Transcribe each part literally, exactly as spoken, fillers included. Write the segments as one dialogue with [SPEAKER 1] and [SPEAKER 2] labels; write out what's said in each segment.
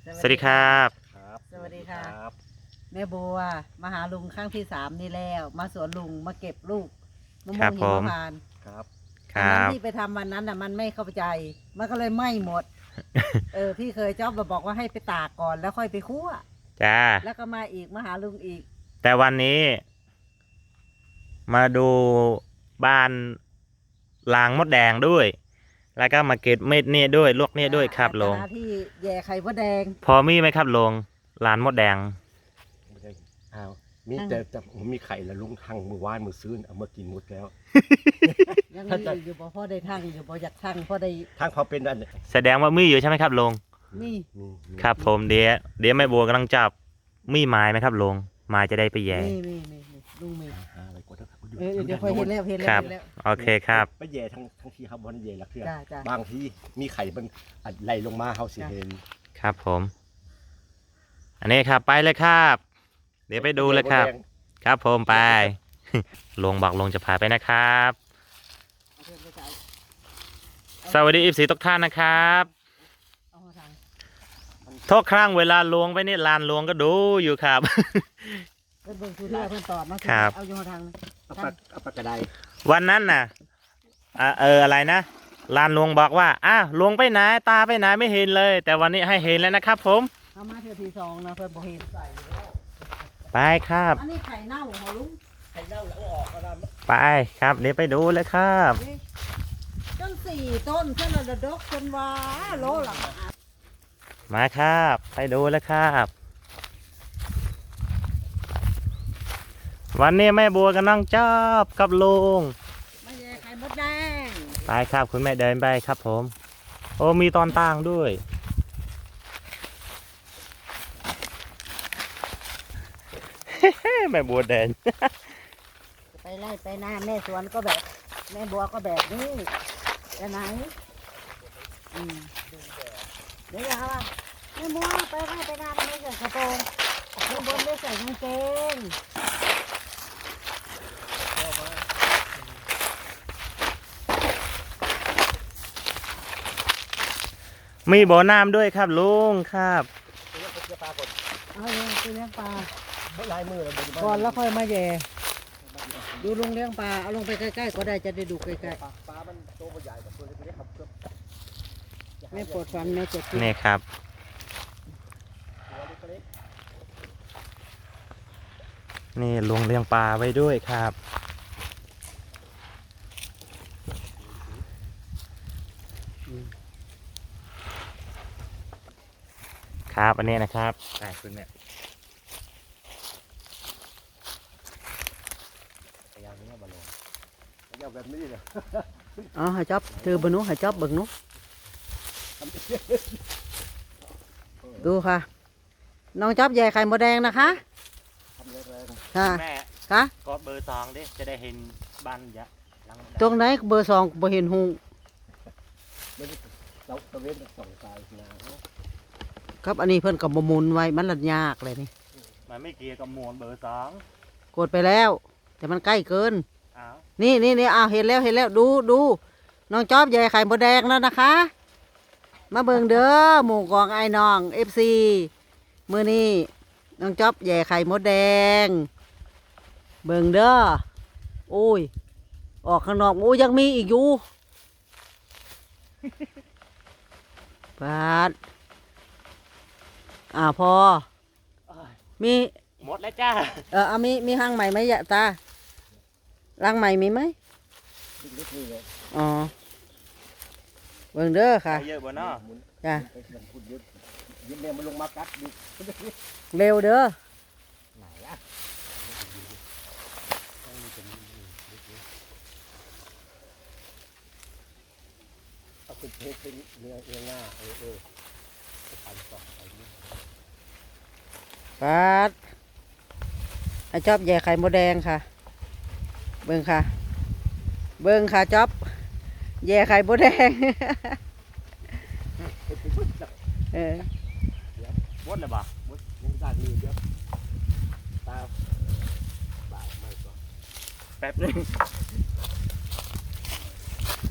[SPEAKER 1] สวัสดีครับ
[SPEAKER 2] สวัสดีค่ะแม่บัวมาหาลุงครั้งที่สามนี่แล้วมาสวนลุงมาเก็บลูกมะม่วงหิมพานต์
[SPEAKER 1] ครับ
[SPEAKER 2] ตอนนั้นที่ไปทำวันนั้นน่ะมันไม่เข้าใจมันก็เลยไหม้หมด เออพี่เคยจ๊อบมาบอกว่าให้ไปตากก่อนแล้วค่อยไปคั่ว
[SPEAKER 1] จ้า
[SPEAKER 2] แล้วก็มาอีกมาหาลุงอีก
[SPEAKER 1] แต่วันนี้ มาดูบ้านลางมดแดงด้วย แล้วก็มาเก็บเม็ดเนี่ยด้วยลวกเนี่ยด้วยครับลง
[SPEAKER 2] ที่แย่ไข่มดแดง
[SPEAKER 1] พอมีไหมครับลงลานมดแดง
[SPEAKER 3] อ้าวมีแต่แต่ผมมีไข่แล้วลุงทั้งมือว่านมือซื้อเอามากินหมดแล้ว
[SPEAKER 2] ยังมีอยู่บ่พ่อได้ทั้งอยู่บ่อยากทั้งพ่อได้
[SPEAKER 3] ทั้งพอเป็นอัน
[SPEAKER 1] แสดงว่ามีอยู่ใช่ไหมครับลง
[SPEAKER 2] นี่
[SPEAKER 1] ครับผมเดี๋ยวเดี๋ยวแม่บัวกำลังจับมีไม้ไหมครับลงไม้จะได้ไปแย่
[SPEAKER 2] นี่นี่นี่ลุงมี
[SPEAKER 3] อะไรก็ได้
[SPEAKER 2] เออเดี๋ยวค่อยเห็นแล้วเห็นแล้วเห็นแล้ว
[SPEAKER 1] โอเคครับ
[SPEAKER 3] ไปแย่ทั้งทั้งที่ครับบนแย่ละเครื่องบางที่มีไข่มันไหลลงมาเขาสิเห็น
[SPEAKER 1] ครับผมอันนี้ครับไปเลยครับเดี๋ยวไปดูเลยครับครับผมไปลงบอกลงจะพาไปนะครับสวัสดีอีฟสีทุกท่านนะครับทุกครั้งเวลาลวงไปนี่ลานลวงก็ดูอยู่ครับ
[SPEAKER 2] เพื่อนเพื่อนตอบนะครับเอาอยู่ทาง
[SPEAKER 3] เอาปากเอาปากกระได
[SPEAKER 1] วันนั้นน่ะเอออะไรนะลานลวงบอกว่าอ้าวลวงไปไหนตาไปไหนไม่เห็นเลยแต่วันนี้ให้เห็นแล้วนะครับผม
[SPEAKER 2] เอามาเทือที่สองนะเพื่อนบอกเห็นใส่
[SPEAKER 1] ไปครับ
[SPEAKER 2] อันนี้ไข่เน่าเหรอลุง
[SPEAKER 3] ไข่เน่าแล้วออกก็ได้
[SPEAKER 1] ไปครับเดี๋ยวไปดูเลยครับ
[SPEAKER 2] ต้นสี่ต้นเพื่อนระดกจนว่าโลหลัง
[SPEAKER 1] มาครับไปดูเลยครับวันนี้แม่บัวกำลังจับกับลุง
[SPEAKER 2] มาแย่ไข่มดแดง
[SPEAKER 1] ไปครับคุณแม่เดินไปครับผมโอ้มีตอนต่างด้วยแม่บัวเดิน
[SPEAKER 2] ไปไล่ไปหน้าแม่สวนก็แบบแม่บัวก็แบบนี้ไปไหนอืมเดี๋ยวครับแม่บัวไปไล่ไปหน้าไม่ใส่กระโปรงแม่บัวไม่ใส่กางเกง
[SPEAKER 1] มีบ่อน้ำด้วยครับลุงครับ
[SPEAKER 2] เอาเลี้ยงไปเลี้ยงปลา
[SPEAKER 3] ลายมือ
[SPEAKER 2] ก่อนแล้วค่อยมาแย่ดูลุงเลี้ยงปลาเอาลงไปใกล้ๆก็ได้จะได้ดูใกล้ๆ
[SPEAKER 3] ปลามันโตใหญ่กว่าตัวเล็กๆครับ
[SPEAKER 2] แม่ปวดฟันแม่เจ็บ
[SPEAKER 1] นี่ครับนี่ลุงเลี้ยงปลาไว้ด้วยครับครับอันนี้นะครับใช่คุณเนี่ย
[SPEAKER 3] แบบนี้เลย
[SPEAKER 2] อ๋อหายจับถือบนุหายจับเบิ่งนุดูค่ะน้องจับใหญ่ไข่มดแดงนะคะค่ะ
[SPEAKER 1] แม่
[SPEAKER 2] ค่ะ
[SPEAKER 1] กดเบอร์สองดิจะได้เห็นบ้านยะ
[SPEAKER 2] ตรงไหนเบอร์สองบ่เห็นหู
[SPEAKER 3] เราตะเวนสองสาย
[SPEAKER 2] นะครับอันนี้เพิ่นกับมุนไว้มันลัดยากเลยนี่
[SPEAKER 1] มันไม่เกี่ยวกับหมวดเบอร์สอง
[SPEAKER 2] กดไปแล้วแต่มันใกล้เกินนี่นี่นี่อ้าวเห็นแล้วเห็นแล้วดูดูน้องจ๊อบใหญ่ไข่มดแดงแล้วนะคะมาเบิ่งเด้อหมู่กองไอ้น้องเอฟซีมื้อนี้น้องจ๊อบใหญ่ไข่มดแดงเบิ่งเด้อโอ้ยออกข้างนอกโอ้ยยังมีอีกอยู่ปาดอ่าพอมี
[SPEAKER 1] หมดแล้วจ้า
[SPEAKER 2] เออเอามีมีห้างใหม่ไหมยะตารังใหม่มีไหมอ๋อเบิ่งเด้อค่ะ
[SPEAKER 1] เยอะบ่เนาะ
[SPEAKER 2] จ้ะ
[SPEAKER 3] ยิ้มแดงมันลงมากัดดิ
[SPEAKER 2] เร็วเด้อ
[SPEAKER 3] ไหนอ่ะเอาเป็นเพชรเป็นเนื้อเนื้อง่าเออเออปันสองไปนี่
[SPEAKER 2] ปัดไอจ๊อบใหญ่ไข่มดแดงค่ะเบิ่งค่ะเบิ่งค่ะจ๊อบแย่ไข่มดแดงเออ
[SPEAKER 1] วดเลยบ่
[SPEAKER 3] วดยังด้านนี้เดี๋ยวตาบ่ายไม่ก็
[SPEAKER 1] แป๊บนึง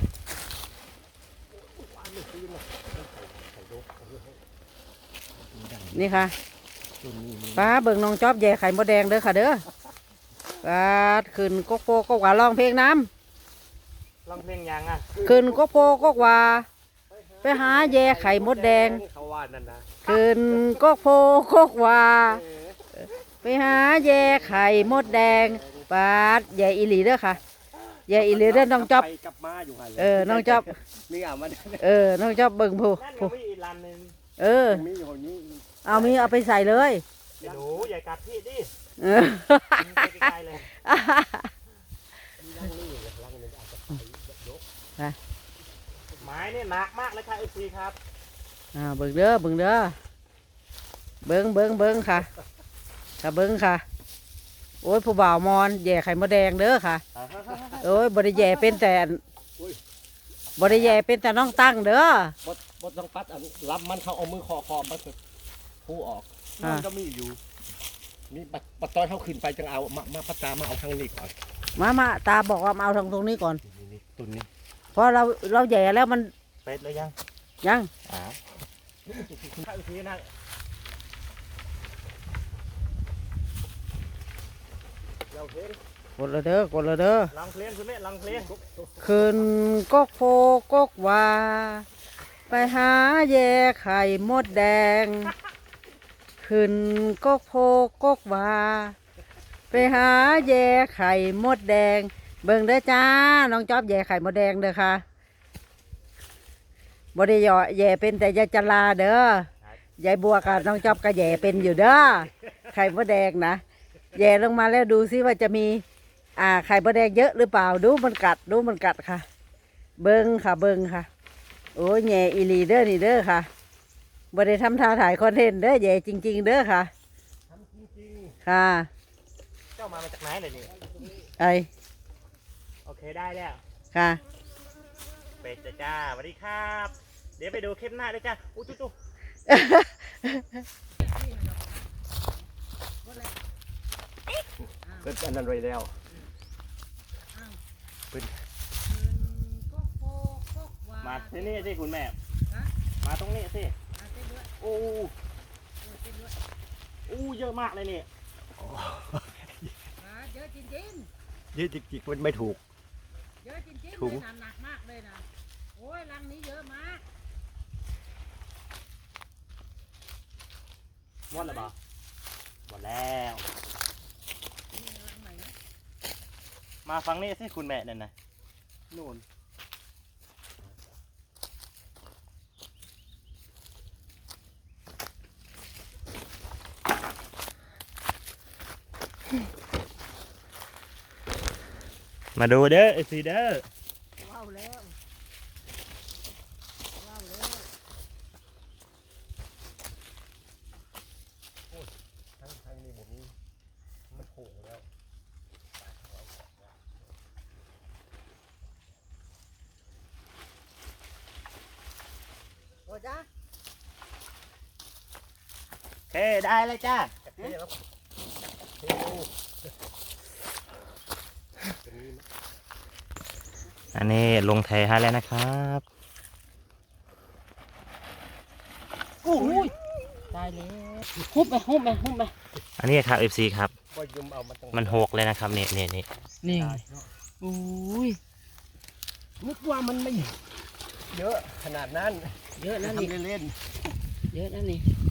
[SPEAKER 3] ไข่ดกไข่
[SPEAKER 2] นี่ค่ะ
[SPEAKER 3] ตัวนี้นี่
[SPEAKER 2] ป้าเบิ่งน้องจอบแย่ไข่มดแดงเด้อค่ะเด้อป้าขึ้นโกโก้ก็ว่าร้องเพลงน้
[SPEAKER 1] ลองเพลงยังอ่ะ
[SPEAKER 2] ำขึ้นโกโก้ก็ว่าไปหาแย่ไข่มดแดง
[SPEAKER 3] เขาว่านั่นนะ
[SPEAKER 2] ขึ้นโกโก้ก็ว่าไปหาแย่ไข่มดแดงป้าดแย่อีหลีเด้อค่ะแย่อีหลีเด้อน้องจอบ
[SPEAKER 3] ไปกลับมาอยู่หัน
[SPEAKER 2] เออน้องจ๊อบ
[SPEAKER 3] นี่อ่ะมัน
[SPEAKER 2] เออน้องจอบเบิ่งผู้
[SPEAKER 1] นั่น
[SPEAKER 2] ผู้
[SPEAKER 1] ก็มีอีกลำหนึ่ง
[SPEAKER 2] เออ
[SPEAKER 3] มีอยู่นี่
[SPEAKER 2] เอามีเอาไปใส่เลย
[SPEAKER 1] เดี๋ยวหนูอย่ากัดพี่ดิ
[SPEAKER 2] เออ
[SPEAKER 1] มึงไปไกลๆเลย
[SPEAKER 3] มีร่างนี่ร่างนึงอาจจะไปยก
[SPEAKER 1] ไม้เนี่ยหนักมากเลยค่ะเอฟซีครับ
[SPEAKER 2] อ่าเบิ่งเด้อเบิ่งเด้อเบิ่งเบิ่งเบิ่งค่ะค่ะเบิ่งค่ะ โอ้ยผู้บ่าวมอนแย่ไข่มดแดงเด้อค่ะโอ้ยบริแย่เป็นแต่บริแย่เป็นแต่น้องตั้งเด้อบ
[SPEAKER 3] ดบดต้องปัดอันรับมันเขาเอามือคอคอมันคือผู้ออกมันก็มีอยู่นี่ปัดปัดตอนเขาขึ้นไปจังเอามามาปัดตามาเอาทางนี้ก่อน
[SPEAKER 2] มามาตาบอกว่ามาเอาทางตรงนี้ก่อน
[SPEAKER 3] นี่นี่ตัวนี้
[SPEAKER 2] เพราะเราเราแย่แล้วมัน
[SPEAKER 1] เป็ดเลยยัง
[SPEAKER 2] ยัง
[SPEAKER 1] อ่าข้าอีกทีนะ
[SPEAKER 3] เราเห็น
[SPEAKER 2] กดเลยเด้อกดเลยเด้อ
[SPEAKER 1] ลองเพลงคุณแม่ลองเพลง
[SPEAKER 2] ขึ้นกกโพกกว่าไปหาแย่ไข่มดแดง ขึ้นกกโพกกว่าไปหาแย่ไข่มดแดง เบิ่งเด้อจ้าน้องจอบแย่ไข่มดแดงเด้อค่ะบ่ได้เหยาะแย่เป็นแต่ยายจลาเด้อยายบัวกับน้องจอบก็แย่เป็นอยู่เด้อไข่มดแดงนะแย่ลงมาแล้วดูซิว่าจะมี อ่าไข่มดแดงเยอะหรือเปล่าดูมันกัดดูมันกัดค่ะ เบิ้งค่ะเบิ้งค่ะ โอ้ยแย่อีหลีเด้อนี่เด้อค่ะบ่ได้ทำท่าถ่ายคอนเทนต์เด้อแย่จริง ๆ เด้อค่ะ
[SPEAKER 3] ทำจริง
[SPEAKER 2] ค่ะ
[SPEAKER 1] เจ้ามามาจากไหนเลยนี่
[SPEAKER 2] ไอ้
[SPEAKER 1] โอเคได้แล้ว
[SPEAKER 2] ค่ะ
[SPEAKER 1] เป็ดจ้าจ้าสวัสดีครับ เดี๋ยวไปดูคลิปหน้าด้วยจ้าอู้จุ๊จุ๊
[SPEAKER 3] ๆเป็นอันนั้นไว้แล้ว
[SPEAKER 1] มาที่นี่สิคุณแม่มาตรงนี้สิโอ้อู้เยอะมากเลยนี่
[SPEAKER 2] เยอะจริง
[SPEAKER 3] ยืดจิกๆมันไม่ถูก
[SPEAKER 2] ๆเยอะจริงๆ
[SPEAKER 3] ถุง
[SPEAKER 2] หนักมากเลยนะโอ้ยรังนี้เยอะมาก
[SPEAKER 1] หมดแล้วเปล่าหมดแล้วมาฟังนี่สิคุณแม่นั่นนะนู่นมาดูเด้อไอซีเด้อ
[SPEAKER 2] ว้าวแล้วว้าวแล้ว
[SPEAKER 3] ทั้งทั้งนี้ผมนี้มันโผล่แล้ว
[SPEAKER 2] โอ้จ้า
[SPEAKER 1] โอเคได้เลยจ้า
[SPEAKER 3] จับเท่แล้วเท่ตรงนี้
[SPEAKER 1] อันนี้ลงเทให้แล้วนะครับ
[SPEAKER 2] โอ้ยตายแล้วฮุบไปฮุบไปฮุบไป
[SPEAKER 1] อันนี้ครับ เอฟ ซี ครับ
[SPEAKER 3] ก็ยุมเอามาตรง
[SPEAKER 1] มันหกเลยนะครับนี่นี่นี่
[SPEAKER 2] นี่
[SPEAKER 3] ได้เนาะ
[SPEAKER 2] โอ้ย
[SPEAKER 3] นึกว่ามันไม่เยอะขนาดนั้น
[SPEAKER 2] เยอะนะ
[SPEAKER 3] ทำ
[SPEAKER 2] นี่
[SPEAKER 3] เล่น
[SPEAKER 2] เยอะนะนี่
[SPEAKER 3] ๆ